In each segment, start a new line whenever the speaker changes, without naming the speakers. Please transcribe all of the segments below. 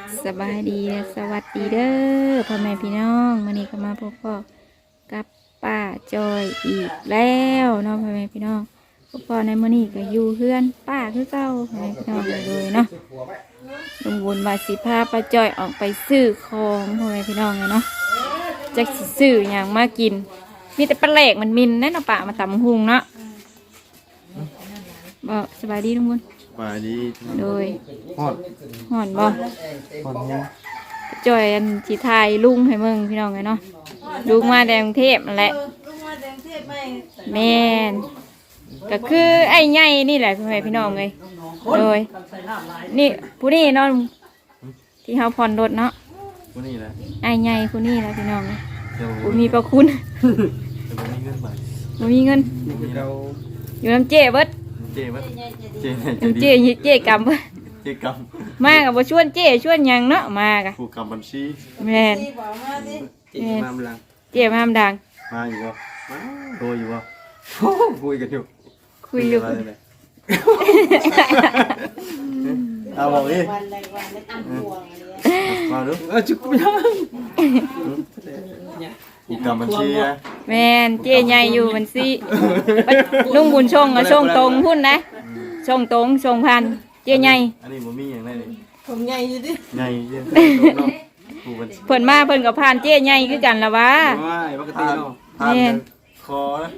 สบายดีและสวัสดีเด้อพ่อแม่พี่น้องวันนี้ก็มาพบพ่อกับป้าจอยอีกแล้วเนาะพ่อแม่พี่น้องพบพ่อในมื้อนี้ก็อยู่เพื่อนป้าคือเก่าพ่อแม่พี่น้องเลยเนาะลุงบุญมาสิพาป้าจอยออกไปซื้อของพ่อแม่พี่น้องเลยเนาะจะสิซื้ออย่างมากินมีแต่ปลาแหลกมันมินแน่นอนป้ามาตำหุงเนาะบ่สบายดีลุงบุญ
สบายดี
โดย
ฮอด
ห่อนบ่
เนี่ย
จอยอันสีไทยลุงให้มึงพี่น้องไงเนาะลุงมาแดงเทพนั่นแหละแม่นก็คือไอ้ใหญ่นี่แหละพี่น้องไงโดยนี่ผู้นี้เนาะที่เขาผ่อนรถเนาะ
ผู้นี้แหละ
ไอ้ใหญ่ผู้นี้แหละพี่น้องไง
ผู้
มีประคุณผู้มีเงินอยู่น้ำเจ๊เบิด
เจ๊บัดเจ๊
เจ๊กำเบิด
เจ๊ก
ำมากับบ่ชวนเจ๊ชวนยังเนาะมากะ
ผู้กำบัญชี
แม่น
เจ๊มาดัง
เจ๊มาดัง
มาอยู่บ่โทรอยู่บ่คุยกันอยู่เอาบอกดิมาดูจุกไม่ได้ผู้กำบัญชีนะ
แม่นเจ๊ใหญ่อยู่บัญชีลุงบุญชงอะชงตรงพุ่นนะชงตรงชงพันเจ๊ใหญ่
อันนี้บ่มีอย่างไรเลย
ผมใหญ่อยู่ดิ
ใหญ่เยอะ
เพิ่นมาเพิ่นกับพานเจ๊ใหญ่คือกันละวะ
ปกติเนาะพานคอนะ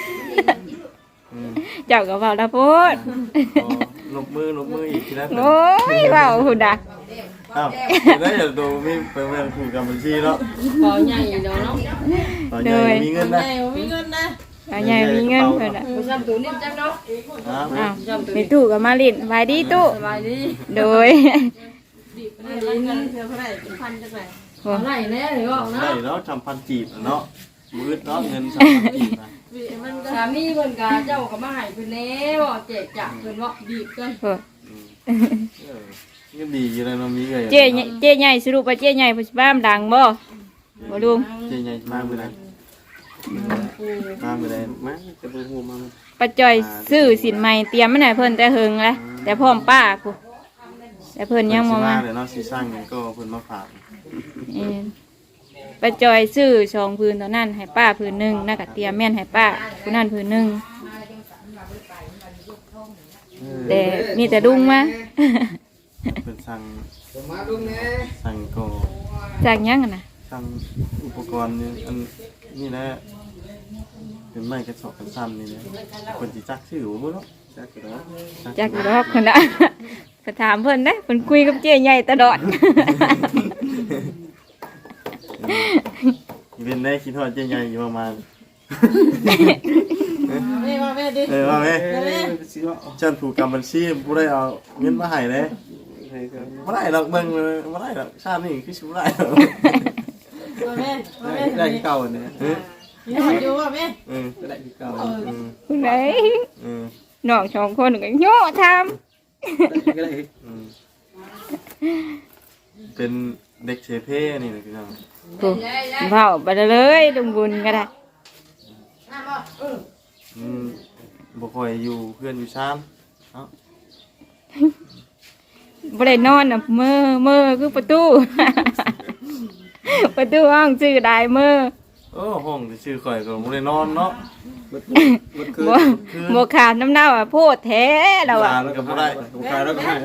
เจ้าก็เว้าละโพด
ลบมืออีกทีนะ
โอ้ยเว้าหุ่นดะ
อ้าวแล้วอย่าดูมีเป็นแม่ผู้กำบัญชีเนาะ
บ่ใหญ่เนาะ
ใหญ่มีเงินนะ
มีเงินนะ
ใหญ่มีเงินเพิ่นน่ะ
บ่จำตู้นี่จำเนาะ
อ้าวมีตู้ก็มาลิ้นสบายดีตู้
สบายดี
โดย
ดีเงินเท่าไหร่พันจังได๋บ่ไหลแน่เลยบอกเนาะ
ได้เนาะ1,000 กีบเนาะมืดเนาะเงิน3,000 กีบนะ
สามีเพิ่นก็เจ้าก็มาให้เพิ่นแล้วแจกจ่ายเพิ่นว่าดีกัน
ก็ดีอยู่แล้วเนาะมีเลย
เจ๊ใหญ่สรุปว่าเจ๊ใหญ่เพิ่นสิบ้ามดังบ่บ่ลุง
เจ๊ใหญ่มามื้อใดมามื้อใดมาจะบ่ฮู้มา
ป้าจ้อยซื้อสินใหม่เตรียมมาให้เพิ่นแต่เฮิงแล้วแต่พร้อมป้าพุแต่เพิ่นยังบ่มา
เดี๋ยวเนาะสิสร้างหยังก็เพิ่นมาฝาก
ป้าจอยซื้อ2 พื้นตอนนั้นให้ป้าพื้นหนึ่งน่าก็เตรียมแม่นให้ป้าผู้นั้นพื้นหนึ่งแต่มีแต่ดุ้งมา
เป็นสั่งก็
จากยังนะ
สั่งอุปกรณ์นี่อันนี่แหละเป็นไม้กระสอบกันซ้ำนี่นะคนจีจักชื่อบ่รู้เนาะ
จักอยู่ดอกคนละไปถามเพิ่นนะเพิ่นคุยกับเจ๊ใหญ่ตลอด
เป็นได้คิดว่าเจ๊ใหญ่อยู่ประมาณ
มาแม่ดิ
มาแม่ฉันผูกกำบัญชีผู้ได้เอาเงินมาให้เลยไม่ได้หรอกเบิ่งไม่ได้หรอกชาตินี้คือชิบได้
มาแม่
ได้ที่เก่าเนี่ย
อยู่ว่าแม่
ได้ที่เก่า
คุณไหนน้อง2 คนก็โย่ทำ
เป็นเด็กเชฟเพ่นี่นะพี่น้อง
เผาไปเลยลุงบุญก็ได้
บ่ค่อยอยู่เพื่อนอยู่ซ้ำเนาะ
บ่ได้นอนน่ะเมื่อคือประตูห้องชื่อได้เมื่อ
ห้องชื่อข่อยก็บ่ได้นอนเนาะ
บ่ขาดน้ำเน่าอ่ะโพดแท้เราอ่ะ
แล้วก็บ่ได้บ่ขาดแล้วก็ให้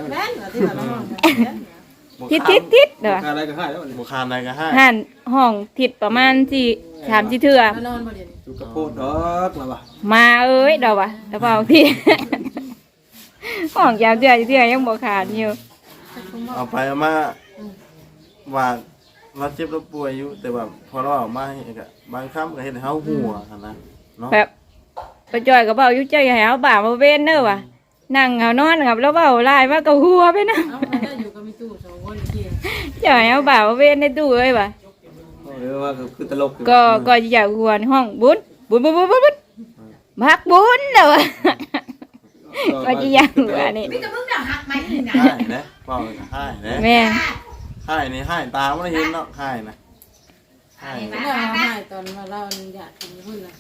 ทิศเด้อ
ขาดอะไรก็ให้แล้วบ่ขาดอะไรก็ให้
หั่นห้องทิศประมาณ3-4เทื่อ
นอนบ่เดี๋ยวนี้
อยู่กับโพดดอกล่ะว่ะ
มาเอ้ยดอกว่ะแล้วเปล่าที่ห้องยาวเทื่อยังบ่ขาดอยู่
เอาไปเอามาว่าเราเจ็บเราป่วยอยู่แต่ว่าพอเราออกมาก็บางครั้งก็เฮ็ดให้เฮาหัวหั่นนะเนาะ
แบบไปจ่อยก็เว้าอยู่ใจให้เฮาบ่ามาเว้นเด้อว่ะนั่งเอานอนกับแล้วเว้าลายว่าก็หัวไปนะ
อยู่กับมีตู้2 คนเกี่ย
จ่อยเอาบ่ามาเว้นในตู้เอ้ยว่ะ
ว่าคือตลก
ก็อยากหัวในห้องบุญมักบุญเด้อว่ะก็สิอยากหัวนี่
มีแต่มึงน่ะหักมั้ยนี่
นะให้นะเว้าให้นะ
แม่
ให้นี่ให้ตาบ่ได้เห็นเนาะให้นะ
ให้ให้ตอนมาเราอยากกินพุ่นน่ะ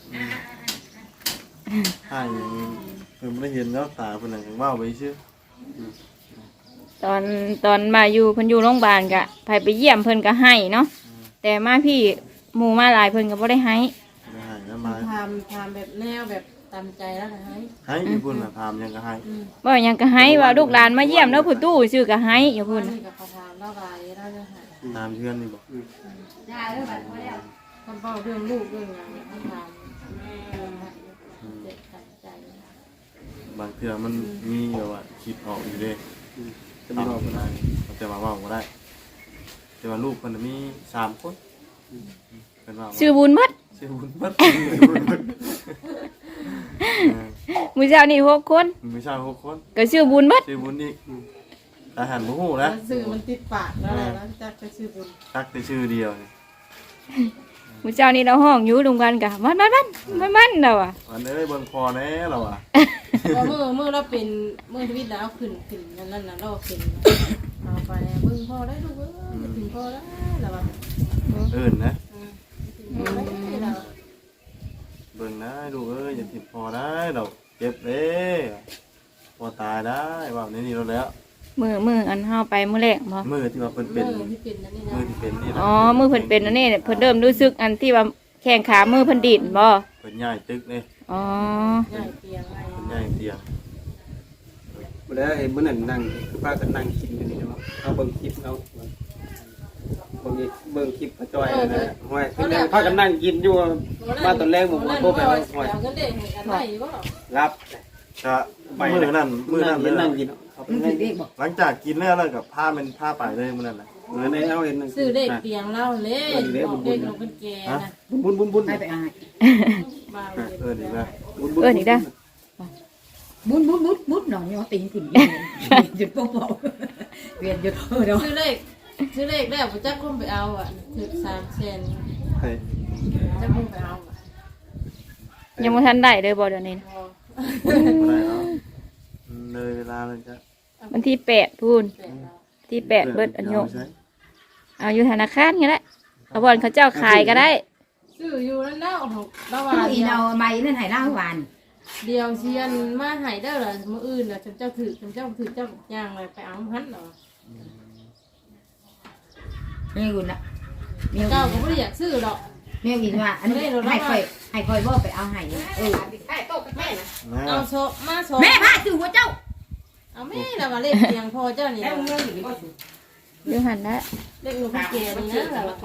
ให้เพิ่นบ่ได้เห็นเนาะตาเพิ่นน่ะเว้าไปซื่อ
ตตอนมาอยู่เพิ่นอยู่โรงพยาบาลกะไปเยี่ยมเพิ่นก็ให้เนาะแต่มาพี่หมู่มาหลายเพิ่นก็บ่ได้ให้
ไม่ให้แล้วมา
ทำแบบแนวแบบตามใจแล้วนะให้
ให้อยู่พุ่นน่ะถามยังก็ให้
บ่หยังก็ให้ว่าลูกหลานมาเยี่ยมแล้วผู้ตู้ชื่อก็ให้อยู่พุ่น
นี่กับประธานเล่าไรเล่าเรื่องหาย
ตามเพื่อนนี่บ่
ได้เรื่องแบบนี้ทำเป้าเรื่องลูกเรื่องงานทำเจ็บใจ
บางเทื่อมันมีแบบว่าคิดออกอยู่เด้จะไม่บอกบ่ได้แต่ว่าเว้าบ่ได้แต่ว่าลูกเพิ่นน่ะมี3คนเพิ่นว่า
ชื่อบุญหมด
ชื่อบุญเบิด
มื้อเช้านี่6คน
มีชาย6คน
ก็ชื่อบุญหมด
ชื่อบุญอีกแต่หันบ่ฮู้นะ
สื่อมันติดปากแล้วแล้วจะไปซื้อบุญ
ตักแต่ชื่อเดียวนี่
มื้อเช้านี่เราห้องอยู่ลุงกันกะมันแล้วอ่ะ
อันเอ้ยเบิ่งพอแน่เราอ่ะ
พอเมื่อเราเป็นเมื่อชีวิตแล้วขึ้นนั่นนะเราขึ้นเอาไปเบิ่งพ่อได้ลูกถึงพ่อได้แล้วว่า
เอิ้นนะ
เรา
เบิ่งได้ลูกเอ้ยอย่าทิ่มพอได้เราเจ็บเด้พอตายได้ว่าในนี้เราแล้ว
มื้ออันเฮาไปมื้อแรกบ่
มือที่ว่าเพิ่นเป็
เมื่
น
อที่เป็นนั่นนี่
มือ
นะ
ที่เป็นนี่นะ
อ๋อมื้อเพิ่นเป็นอันนี้เนี่ยเพิ่นเริ่มรู้สึกอันที่ว่าแข้งขามือเพิ่นดินบ่
เพิ่นย้ายตึกนี่
อ๋อ
ง่ายเตียงอะไร
เพิ่นย้ายเตียง
บ่ได้เห็นมื้อนั้นนั่งคือพากันนั่งกินอยู่นี่เนาะเอาเบิ่งคลิปเอาเบิ่งคลิปป้าจ้อยนะห้อยคือพากันนั่งกินอยู่มาตอนแรกผมโทรไปว่าห้อย
เอาเงินเด็กให้กันได้ก็
รับ
ก็มื้อนั้นเลย
นั่
นะ
งกินเขาเป็นนั่งกิน
หลังจากกินแล้วก็พาเป็นพาไปเลยมื้อนั้นน่ะ
เหมือนในเอาเห็น
ซื้อเด็กเตียงเล่าเล่เด็กลงเป็นแกนะ
บุญ
ให้ไปอาย
มา
เอิ้นอีกแล้ว
บุดหน่อยว่าตีนขึ้นหยุดโป๊ะเวียนหยุดเดี๋ยว
ซื้อเลขแล้วผมจะคุ้มไปเอาอ่ะถึง3 เซน
ให้
จะคุ้มไปเอา
ยังบ่ทันได้เลยบ่เดี๋ยวนี้นะ
บ่ได้เอาเลยเวลาเลยจ้ะ
วันที่8พูนที่8เบิดอันโยกเอาอยู่ธนาคารก็ได้เอาบ่อนเขาเจ้าขายก็ได้
ซื้ออยู่นั่นแล้วระห
เอา
ว่าง
อีเอาใบนั่นให้ล่าหวาน
เดียวเชียนมาหายได้เหรอมื้ออื่นน่ะฉันเจ้าถือเจ้าย่างอะไรไปเอาหันเหรอ
มีอุ่นละมี
เจ้าก็ไม่ได้อยากซื้อหรอก
มีอุ่นว่าอันนี้ให้คอยบ่ไปเอาให้เออ
เอาโซมาโซ
แม่พาสู่หัวเจ้า
เอาแม่เรามาเล่นเตียงพอเจ้านี่
อยู่หันละ
เล่นลูกพี่แกนี่นะเรา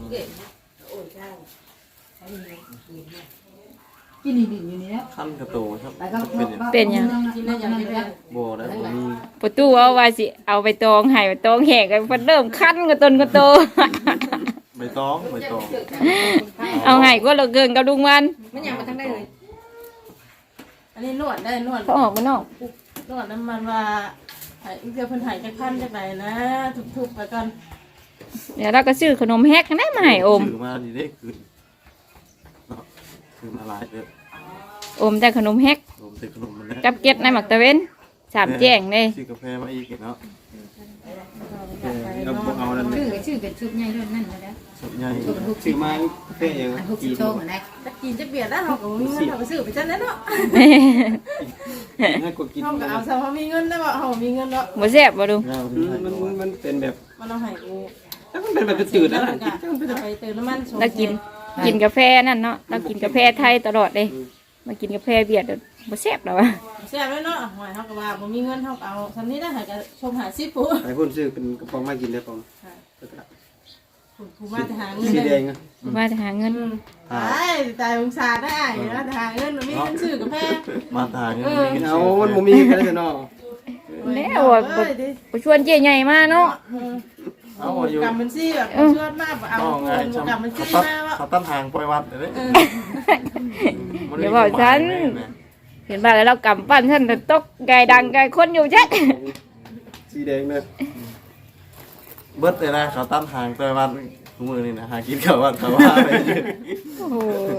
กินดีอยู่นี่แล้ว
คันกระโตครับ
แล้วก็
เป็นหยัง
กินได้อย่างนี้เลย
บ่ได้บ่มี
ประตูเอาว่าสิเอาไปตองให้ไปตองแหกกันเพิ่นเริ่มคันกระตนกระโต
ใบตอง
เอาให้ก็เหลือเกินกับลุงวัน
ไม่อยากมาทั้งได้เลย อันนี้นวดได้นวด
เขาออกมานอก
นวดน้ำมันว่าหายเดี๋ยวเพิ่นหายจากพันจากไหนนะทุบๆไปก่อน
เดี๋ยวเราก็ซื้อขนมแฮกกันได้มาให้อม
ซื้อมาดีได้คืนเนาะคือมาหลายเด้อ
อมแต่ขนมแฮก
รวมถึงขนมมันนะ
กับเก็ดในหมักตะเว้นสามแจ้งเลย
ซื้อกาแฟมาอีกเนาะ
เราเอานั่น
ชื่อเป็นชุดใหญ่ด้วยนั่นแล้ว
สุดใหญ่
ซื้อมาเฟ่ยัง
อัน60โตเหมือนได้
จะกินจะเบียดแล้วเขาก็มีเงินเขาก็ซื้อไปจังนั้นเนาะ
ให้กดกิน
เขาก็เอาซะเขามีเงินได้บ่เขามีเงินเนาะ
บ่แซ่บบ่ลุง
เงาถึงให้
มันเป็นแบบ
มันเอาให้กู
ถ้ามันเป็นแบบจืดแล้ว
ไปเติมน้ำมัน
เรากินกาแฟนั่นเนาะเรากินกาแฟไทยตลอดเลยมากินกาแฟเวียดบ่แซ่บแล้ววะ
แซ่บเลยเนาะหอยเขาก็ว่าบ่มีเงินเขาก็เอาทำนี้ได้หายก็ชมหาซิปู
ไอ้พ่นซื้อเป็นกระป๋องมากินได้ปอง
ผู้มาจะหาเงิน
สีแดงอ่ะ
มาจะหาเงิน
ตายองศาได้นะหาเงินมีเงินซื้อกับแพง
มาทางนี้
เอามันบ่มีกันแล้วเนาะ
แล้วบ่ชวนเจ๊ใหญ่มาเนาะ
เอาอยู่
กำมันซี่แบบชวนมากเอา
เอาไง
คนกำมันซี่
เขา
มาว่า
ตั้งทางปล่อยวัดเลย
เดี๋ยวบอกฉันเห็นว่าแล้วเรากำปั้นฉันตกไก่ดังไก่คนอยู่ชัด
สีแดงเลย
เบิดเลยนะเขาตั้งทางปล่อยวัดทุกมือนี่นะหากินเขาวัดเขาว่าไปยืน
โอ้โห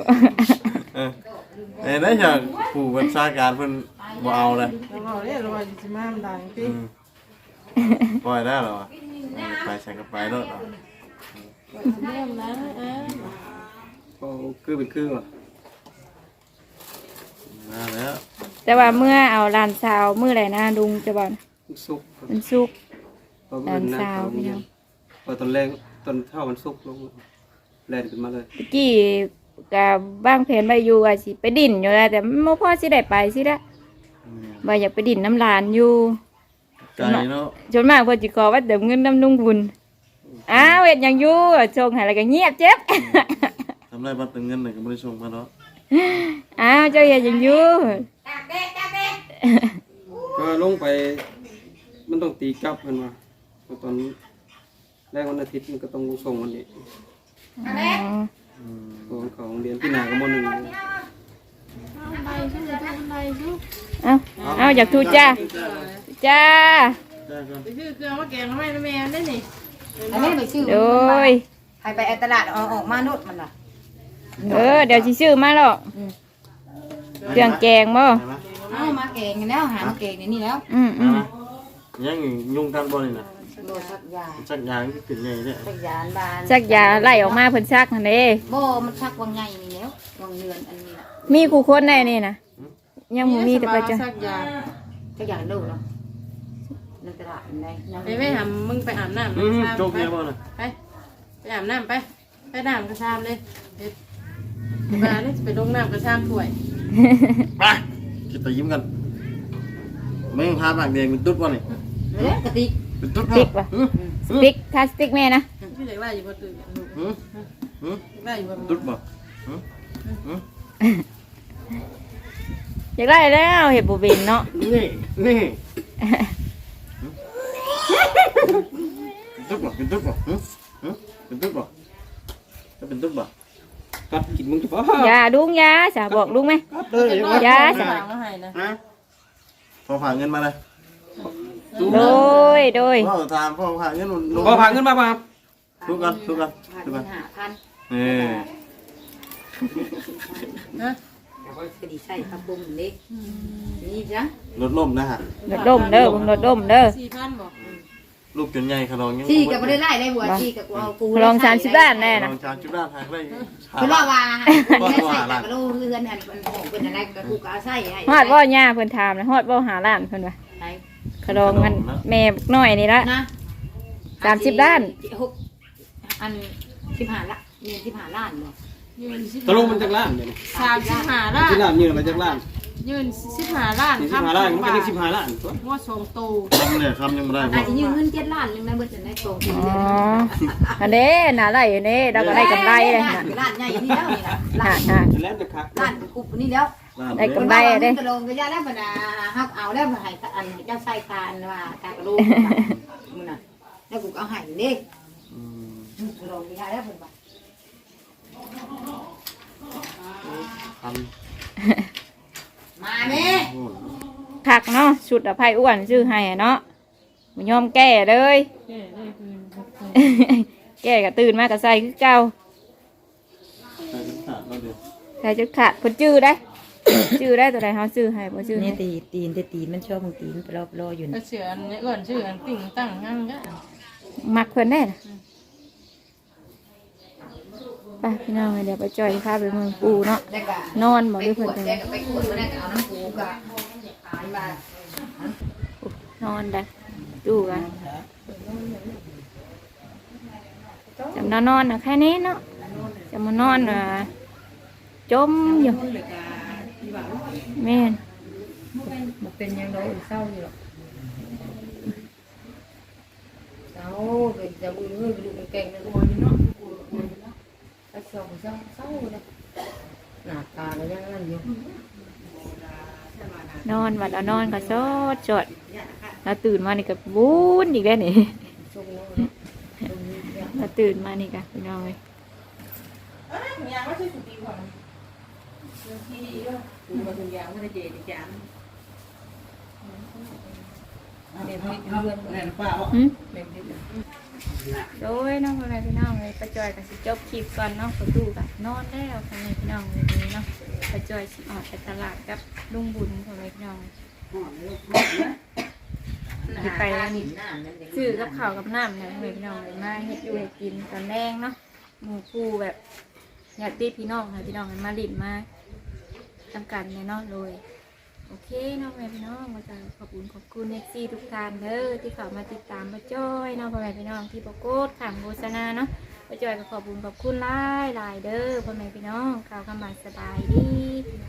ได้จากผู้บัญชาการเพิ่นบ่เอาเลย
เราบอกเนี่ยเราจะมาดังพี่
ปล่อยได้หรอไปใส่กระไปรถ
เริ่มแล้ว
โอ้คือเป็นคือว่ะ
มาแล้ว
แต่ว่าเมื่อเอาลานซาวมื้อไหนนะลุงจะบอก
สุก
มันสุก
พอเพิ่นนั่งเข้าโรงเรียนพอตอนแรกตอนเช้ามันสุกลงแล่นขึ้นมาเลย
ตะกี้ก็บ้างแผนไปอยู่ว่าสิไปดินอยู่แล้วแต่บ่พอสิได้ไปสิละว่าอยากไปดินน้ำลานอยู่
ไกลเนาะ
จนมากเพิ่นสิขอว่าเติมเงินน้ำนุ่งบุญอ้าวเฮ็ดหยังอยู่ส่งให้แล้วก็เงียบเจ็บ
ทำไรบัตรเติมเงินไหนก็ไม่ได้ส่งมาเนาะ
อ้าวเจ้าเฮ็ดหยังอยู่
ก็ลงไปมันต้องตีกลับเพิ่นว่าตอนแรกวันอาทิตย์มันก็ต้องส่งวันนี้
อ๋อ
ของเขาโรงเรียนพี่นาก็ม .1
บันไดสู้บันไดสู้
เอาอยากทูจ้าจ้า
ได้ก่อน
ไปซื้อเครื่องมาแกงทำไมนะแม่ได้นี่
อันนี้ไปซื้อ
โดย
ให้ไปตลาดเอาออกมาโนดมันล่ะ
เดี๋ยวสิซื้อมาหรอกเครื่องแกงบ่
ได้ไหม
เอามาเก่งกันแล้วหามาเก่งในนี่แล้ว
ได้ไหมยังยุ่งกันบ่นี่นะ
โดนสักยา
จักยางที่ขึ้นใหญ่เนี่ย
สักยานบาน
สักยาไล่ออกมาเพิ่นซักหั่นเด้
โบมันชักวังใหญ่นี่แล้ววังเรือนอันนี้ล่ะ
มีคู่คนได้นี่นะยังบ่มีแต่ไปจ้ะ
สักยา
ก็อยากดูเนาะในตลาดในยัง
ไปไม่ทำมึงไปอาบน้ำ
โจกเนี่ยบ่น่ะ
ไปอาบน้ำไปน้ำกระชามเลยเด็ดมาเนี่ยไปลงน้ำกระชามถ้วย
ไปคิดแต่ยิ้มกันไม่พาปากแดงเป็นตุ๊ดบ่นี่
เอ๊ะกะติก
เป็นตุ๊ด
สติ๊กป่ะสติ๊กคาสติ๊กแม่นะ
ไม่อยากได้อยู่บนตื่นลูก
หืมหืม
อยากได้อยู่บน
ตุ๊ดบ่หืมหืม
อยากได้แล้วเห็ดบ่เป็นเนาะ
นี่ตุ๊ดบ่เป็นตุ๊ดบ่หืมหืมเป็นตุ๊ดบ่จะเป็นตุ๊ดบ่
กัดกินมึงจะบ่
ยาดุงยาสาบอกลุงไหม
กัดเลย
ยา
สั่งมาให้นะ
นะพอผ่าเงินมาเลย
โดย
พ่อถามพ่อผ่าเงิน
บ่พาเงินมาบ่ครับ
ทุกกันทุกกัน
ผ่าน
ทุกกัน
5,000
นี่
นะ
ก็ดีใส่ครับบุ้มเล็กนี่จ้ะ
รถล่มนะฮะ
รถดมเด้อรถดมเด้อ
4,000บอก
ลูกจนใหญ่ขนองยัง
ที่ก็บ่ได้ไล่ได้หัวที่ก็เอากู
ลอง30ล้านแน่
ล
นะ
องชาจุดด้านทางได้
เพิ่นว่าว่าไม่ใส่ก็รู้เรือนอันของเพิ่นอะไรก็กูก็เอาใส่ให้
ฮอดบ่ย่าเพิ่นถามนะฮอดบ่หาล้านเพิ่นว่าขนมกันแม่บักน้อยนี่ละ
นะ
30ล้าน
อัน15ละเงิน15ล้านบ่
ยืน
ตะลุมันจักล้านเดี๋ยวนี้
35ล้าน
ที่ล้านยืนมาจักล้าน
ยืน15ล้าน
นี่15ล้านมันก็ได้15ล้านตัว
งวดสองตู
ทำเนี่ยทำยังไม่ได้
อาจจะยืมเงิน7ล้านนึงนะเบิดจะได้โตขึ้น
อ๋
เรื่
อ
อย
อันนี้น่าไล่อันนี้เราก็ได้กำไรเลยน่ะ
ล้านใหญ่นี่แล้วนี่ล่ะล้าน
แล้วจะคัก
ล้านกุบนี่แล้ว
ได้กำไรเด้
กระโดงก็ยาแล้วบรรดาฮักเอาแล้วให้อันเจ้าใส่ตาอันว่าตากระโดงมึงน่ะแล้วกูเอาให้เด้กระโดงก็ยาแล้วเพิ่นว่า
ท
มาแม่
ำ
คักเนาะชุดอภัยอ้วนชื่อให้อะเนาะบ่ยอมแก้เลย แก้ก็ตื่นมาก็ใส่คือเก่า
ใส่ขาดเราเดียว
ใส่จนขาดคนจื้อได้ จื้อได้ตัวใดเฮาจื้อให้บ่จื้อ
นี่
ให้
ตีนมันชอบมึงตีนรออยู่
ก็เสืออันนี้ก่อนชื่ออันติ่งตั้งงั้นก็
มักเพิ่นแน่น่ะไปพี่น้องเดี๋ยวไปจอยพาไปเมืองปูเนาะ
แล้วก็
นอนบ่หรือเพิ่น
แก
จะ
ก็ไปขวดมาได้ก็เอาน้ำปูก็หายมาน
อนได้ดูกันจำนอนน่ะแค่นี้เนาะจะมานอนจมอยู่แม่น
มันเป็นยังไงเศร้าอยู่หรอกเศร้าเป็นจะมือดูมันเก่งนะคนเนาะถ้าเศร้าเศร้าเลยหน้าตาก็ยังนั่นอยู่
นอนวัดเอานอนก็สดสดแล้วตื่นมานี่ก็บุญอีกแล้วนี่
ทรงโน้น
แล้วตื่นมานี่ก็พี่น้องเลย
ยังไม่ใช่สุดดีกว่า
ดูมาถึงยาวไม่ได้เจดีจานเด็กเพื่อนแม่ป้าบอก
หืม
เด็กนิด
โดยน้องอะไรพี่น้องเลยประจอยกับสิจบคลิปก่อนเนาะประตูกับนอนแล้วทำไมพี่น้องเลยนี้เนาะประจอยสิออกไปตลาดกับลุงบุญทำไมพี่น้องสิไปนี่ซื้อกับข้าวกับน้ำเนี่ยทำไมพี่น้องเลยมาเฮ็ดอยู่ให้กินตอนแรงเนาะหมู่คู่แบบญาติพี่น้องค่ะพี่น้องมาลิ้นมาทำกันเนี่ยเนาะเลยโอเคเนาะพ่อแม่พี่น้องมาจากขอบคุณเอฟซีทุกท่านเด้อที่เข้ามาติดตามมาจ้อยเนาะพ่อแม่พี่น้องที่ประกฏขังโฆษณาเนาะมาจ้อยก็ขอบคุณหลายเด้อพ่อแม่พี่น้องข่าวคำบานสบายดี